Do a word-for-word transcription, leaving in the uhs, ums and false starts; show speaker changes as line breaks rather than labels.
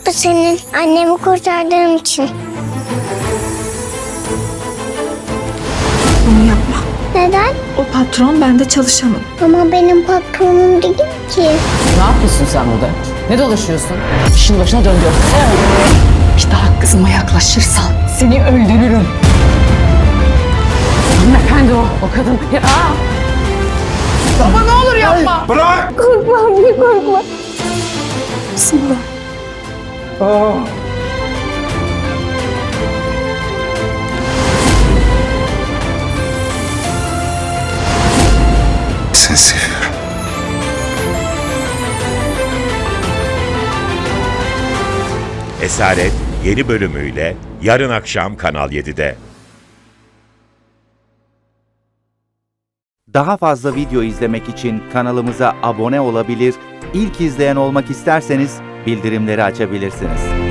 Bu senin annemi kurtardığın için.
Bunu yapma.
Neden?
O patron, ben de çalışanım.
Ama benim patronum değil ki.
Ne yapıyorsun sen burada? Ne dolaşıyorsun? İşin başına dön diyor.
Bir daha kızıma yaklaşırsan
Seni öldürürüm. Hanımefendi o, o kadın. Ya, aa! Baba ne olur yapma.
Bırak!
Korkma anne, korkma.
bismillah.
Seni seviyorum.
Esaret yeni bölümüyle yarın akşam Kanal yedide.
Daha fazla video izlemek için kanalımıza abone olabilir, ilk izleyen olmak isterseniz bildirimleri açabilirsiniz.